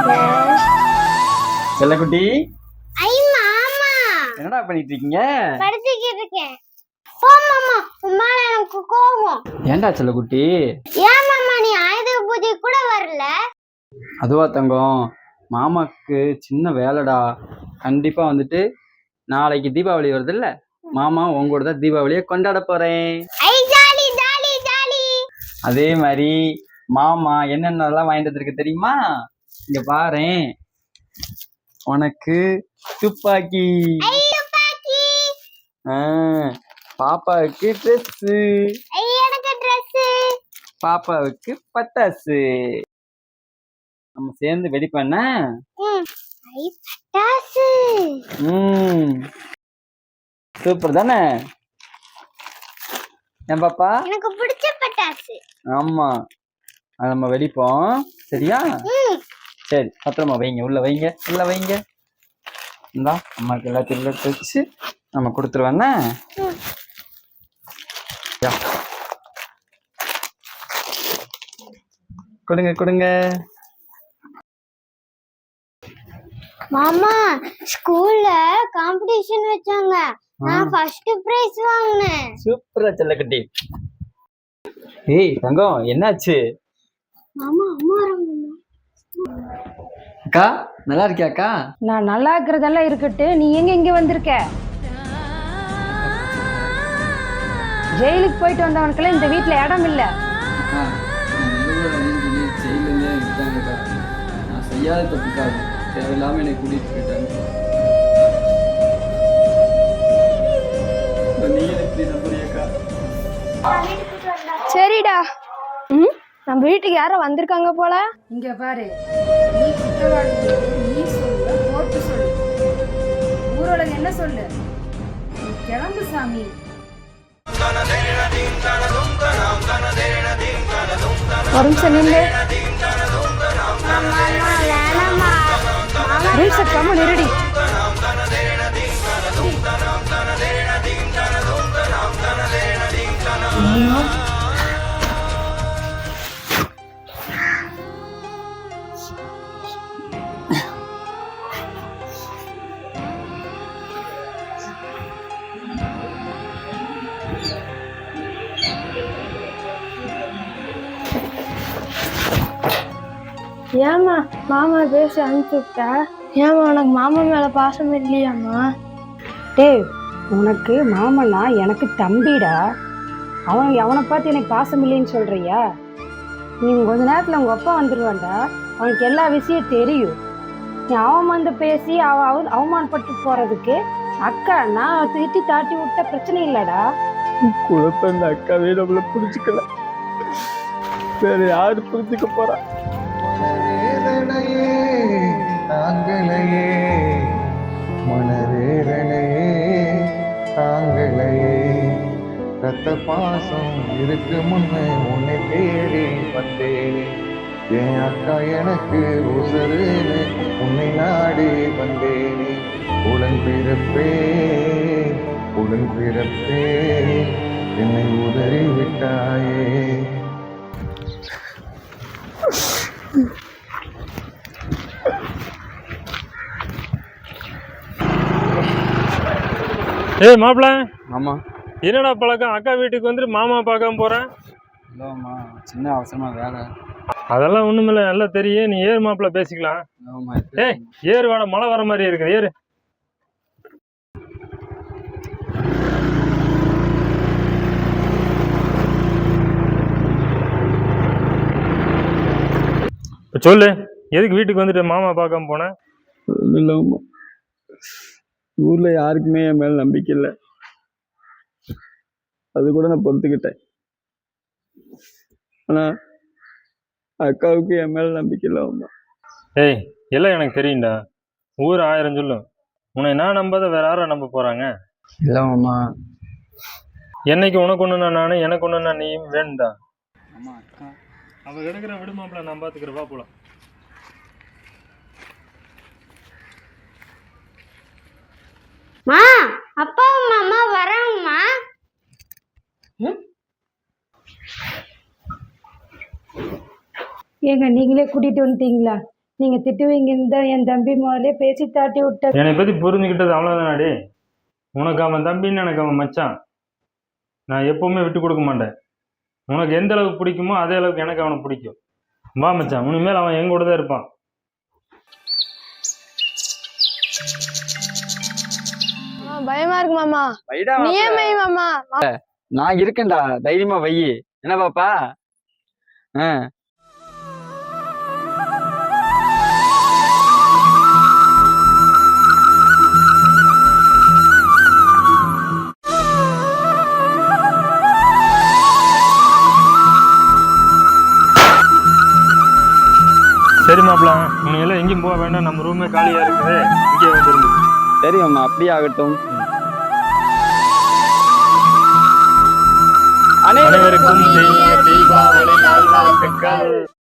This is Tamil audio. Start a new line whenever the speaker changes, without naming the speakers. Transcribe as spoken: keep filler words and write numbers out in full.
செல்லக்குட்டி
ஐ மாமா
என்னடா பண்ணிட்டு இருக்கீங்க?
படிச்சிட்டு இருக்கேன். போ மாமா, உம்மா எனக்கு கோவம்.
ஏன்டா செல்லக்குட்டி?
ஏன் மாமா நீ ஆயுத பூஜை கூட வரல?
அதுவா தங்கம், மாமாக்கு சின்ன வேலைடா. கண்டிப்பா வந்துட்டு நாளைக்கு தீபாவளி வருது இல்ல, மாமா உங்களோட தான் தீபாவளியை கொண்டாட போறேன்.
ஐ ஜாலி ஜாலி ஜாலி.
அதே மாதிரி மாமா என்னென்னலாம் வாங்கிட்டு வந்திருக்கு தெரியுமா? இங்க பாரேன், உனக்கு துப்பாக்கி,
ஐ துப்பாக்கி.
ஆ, பாப்பாவுக்கு ட்ரெஸ்,
ஐ எனக்கு Dress.
பாப்பாவுக்கு பட்டாசு. நம்ம சேர்ந்து வெடி பண்ண
ம் ஐ பட்டாசு.
ம் சூப்பர் தானே என் பாப்பா?
எனக்கு பிடிச்ச பட்டாசு.
ஆமா, அது நம்ம வெடிப்போம், சரியா?
ம்
சரி, பத்திரமா வைங்க, உள்ள வைங்க, உள்ள வைங்க. இந்தா அம்மாக்கு எல்லாத்தையும் எடுத்து வச்சு நம்ம கொடுத்துருவேண்ணே.
ம்.
கொடுங்க கொடுங்க.
மாமா, ஸ்கூல்ல காம்படிஷன் வச்சாங்க. நான் ஃபர்ஸ்ட் பிரைஸ் வாங்கினேன்.
சூப்பரா செல்லக்குட்டி. ஏய் தங்கம், என்னாச்சு?
மாமா அம்மா வராங்க.
அக்கா நல்லா இருக்கியா அக்கா?
நான் நல்லா இருக்கிறதெல்லாம் இருக்கட்டு, நீ எங்க இங்க வந்திருக்க? ஜெயிலுக்கு போயிட்டு வந்தவனுக்கெல்லாம் இந்த வீட்டுல இடம் இல்ல.
நான் செய்யாத தப்புக்காக தேவையில்லாம என்னை கூட்டிட்டு போயிட்டாங்க.
சரிடா. ம் நம்ம வீட்டுக்கு யாரோ வந்திருக்காங்க போல. இங்க பாரு, நீ குற்றவாளி, நீ சொல்லு, கோர்ட்டு சொல்லு, ஊரோலகம் என்ன சொல்லு, நீ கிளம்பு சாமி. ஒரு நிமிஷம் நில்லு. கம்ம நெருடி. ஏம்மா மாமா பேசி அனுப்பிச்சு விட்டா? ஏம்மா உனக்கு மாமா மேல பாசம் இல்லையாம்மா? டேய், உனக்கு மாமனா எனக்கு தம்பிடா. அவன் அவனை பார்த்து எனக்கு பாசம் இல்லைன்னு சொல்றியா? நீ கொஞ்ச நேரத்துல உங்க அப்பா வந்துடுவான்டா, அவனுக்கு எல்லா விஷயம் தெரியும். நீ அவன் வந்து பேசி அவ அவமானப்பட்டு போறதுக்கு அக்கா நான் திட்டி தாட்டி விட்ட பிரச்சனை இல்லடா.
குழப்ப இந்த அக்காவே நம்மள புரிஞ்சுக்கல, வேற யாரு புரிஞ்சுக்க போறா?
மனவேதனையே தாங்களையே, மனவேதனையே தாங்களையே, ரத்த பாசம் இருக்கு முன்னே உன்னை தேடி வந்தேனே, என் அக்கா எனக்கு உசருன்னு உன்னை நாடி வந்தேனே, உடன் பிறப்பே உடன் பிறப்பே என்னை உதறி விட்டாயே.
ஏய் மாப்பிள்ள.
ஆமா.
என்னடா பழக்கம், அக்கா வீட்டுக்கு வந்துட்டு மாமா பார்க்காம போறேன்?
இல்லம்மா, சின்ன அவசரமா வேலை.
அதெல்லாம் ஒண்ணுமில்ல, நல்லா தெரியும். நீ ஏறு மாப்பிள்ள, பேசிக்கலாம். ஏய் ஏறு வாட, மழை வர மாதிரி இருக்குது, ஏறு. சொல்லு, எதுக்கு வீட்டுக்கு வந்துட்டு மாமா பார்க்காம போனேன்?
இல்லம்மா, ஊர்ல யாருக்குமே என் மேல நம்பிக்கை இல்லை, அது கூட நான் பொறுத்துக்கிட்டேன். ஆனா அக்காவுக்கு என் மேல நம்பிக்கை இல்லை அம்மா.
ஏய் எல்லாம் எனக்கு தெரியும்டா, ஊர் ஆயிரம் சொல்லும், உன்னை நான் நம்பாத வேற யாரும் நம்ப போறாங்க?
இல்லம்மா,
என்னைக்கு உனக்கு ஒண்ணுனா நானும், எனக்கு ஒண்ணுனா நீயும் வேணும்டா.
அம்மா அக்கா
அவ எடுக்கிற விடுமாப்பிள்ள, நான் பாத்துக்கிறவா போலாம்.
மா, அப்பா மாமா வராங்கம்மா.
ஏங்க நீங்களே கூட்டிட்டு வந்துட்டீங்களா? நீங்க திட்டுவீங்கன்னு தான் என் தம்பி முதலே பேசி தாட்டி விட்டார்.
என்னை பத்தி புரிஞ்சுக்கிட்டது அவ்வளவுதானாடி. உனக்கு அவன் தம்பின்னு எனக்கு அவன் மச்சான். நான் எப்பவுமே விட்டு கொடுக்க மாட்டேன். உனக்கு எந்த அளவுக்கு பிடிக்குமோ அதே அளவுக்கு எனக்கு அவனை பிடிக்கும். வா மச்சான், இனிமேல் அவன் என் கூட தான் இருப்பான்.
பயமா இருக்கு மாமா.
வைடா
நீ ஏன்
மாப்பிள.
மை மாமா?
நான் இருக்கேன்டா, தைரியமா வை. என்ன பாப்பா? ஆ
சரி மாப்பிள, உனக்கு எங்கேயும் போக வேண்டாம். நம்ம ரூமே காலியா இருக்குது, இங்கே வந்துருந்து.
சரி அம்மா, அப்படியே ஆகட்டும்.
அனைவருக்கும் இனிய தீபாவளி நல்வாழ்த்துக்கள்.